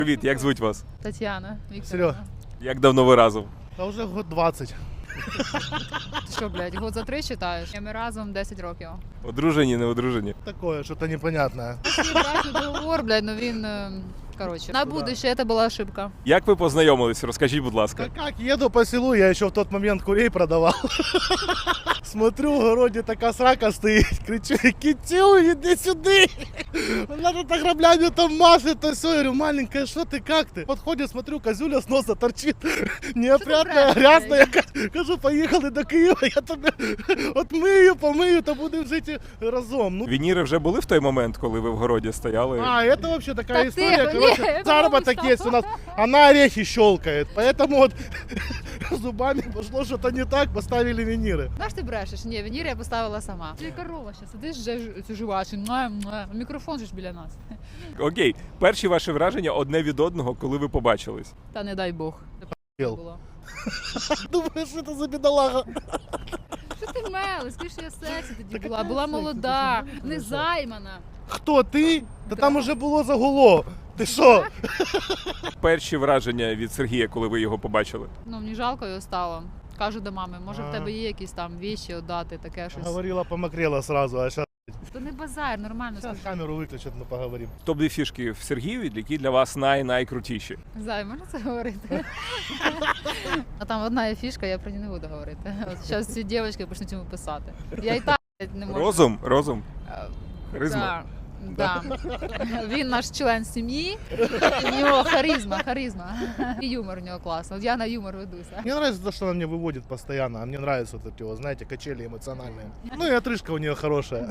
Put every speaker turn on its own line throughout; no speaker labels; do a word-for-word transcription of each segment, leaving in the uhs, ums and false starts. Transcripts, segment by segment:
Привіт, як звуть вас?
Тетяна Вікторівна.
Серьога.
Як давно ви разом?
А уже год двадцать.
Ти що, блядь, год за три читаєш? Ми разом десять років.
Одружені, не одружені?
Такое, что-то непонятное.
Свій брачний договор, блядь, ну він, е, коротше, на будущее це була ошибка.
Як ви познайомились? Розкажіть, будь ласка.
Да как, еду по селу, я еще в тот момент курей продавал. Смотрю, в огороде такая срака стоит, кричу: Китю, иди сюда! Она тут граблями там машет, то все. Я говорю: маленькая, что ты, как ты? Подходит, смотрю, козюля с носа торчит, неопрятная, грязная. Кажу: поехали до Киева, я тебе отмию, помию, то будем жить разом. Ну,
Вініри вже були в той момент, коли ви в городі стояли?
А, это вообще такая
Так
история,
тихо,
короче,
не,
заработок
потому
есть у нас, она орехи щелкает, поэтому вот зубами пошло что-то не так, поставили виниры.
Знаєш, ти брешеш? Ні, вінір я поставила сама. Ти корова ще сидиш, вже ж- цю жувачу, муа, муа. Мікрофон же ж біля нас.
Окей, перші ваші враження одне від одного, коли ви побачились.
Та не дай Бог. Це
Ел.
було.
Думаешь, что это за бедолага?
Що ти мели? Скажи, що я сексі тоді
Та
була.
яка
Була
сексі?
молода,
Ти що?
не займана.
Кто, ты? Да
Да.
там уже было загуло. Ты что?
Перші враження від Сергія, коли ви його побачили.
Ну, мені жалко його стало. Кажу до мами, може в
А.
тебе є якісь там віші, отдати, таке щось.
Говорила, помокрела сразу, а сейчас,
То не базар, нормально скажи.
камеру выключат, мы поговорим.
Топ-дві фішки в Сергієві, які для вас най-найкрутіші.
Зай, можна це говорити? А там одна є фішка, я про неї не буду говорити. От зараз ці дівчатки почнуть йому писати. Я і так не можу.
Розум, розум,
Е,
харизма.
Да, да. Він наш член сім'ї, у нього харизма, харизма. І юмор у нього класний. От я на юмор ведуся.
Мне нравится то, что она мне выводит постоянно, а мне нравятся вот эти, вот, знаете, качели эмоциональные. Ну и отрыжка у нее хорошая.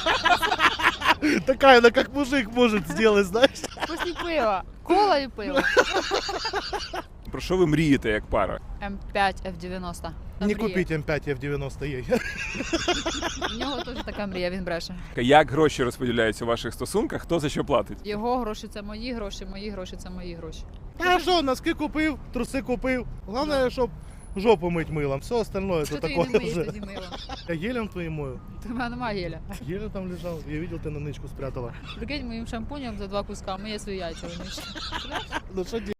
Такая, она как мужик может сделать, знаешь.
Після пива. Кола і пиво.
Про що ви мрієте як пара?
М п'ять Ф дев'яносто. Та
Не
мрія.
купить М пять Ф девяносто ей.
У нього теж така мрія, він бреше.
Як гроші розподіляються у ваших стосунках, хто за що платить?
Його гроші це мої гроші, мої гроші це мої гроші.
А що, носки купив, труси купив. Головне, щоб жопу мить милом. Все остальное
Що
это
ти її
такое
не миєш
уже.
тоді мило?
Я гелем твоим мою.
Ти в мене немає геля.
Гелем там лежал. Я видел, ты на нычку спрятала.
Прикинь, моїм шампунем за два куска миє свої яйця виміш.
Ну что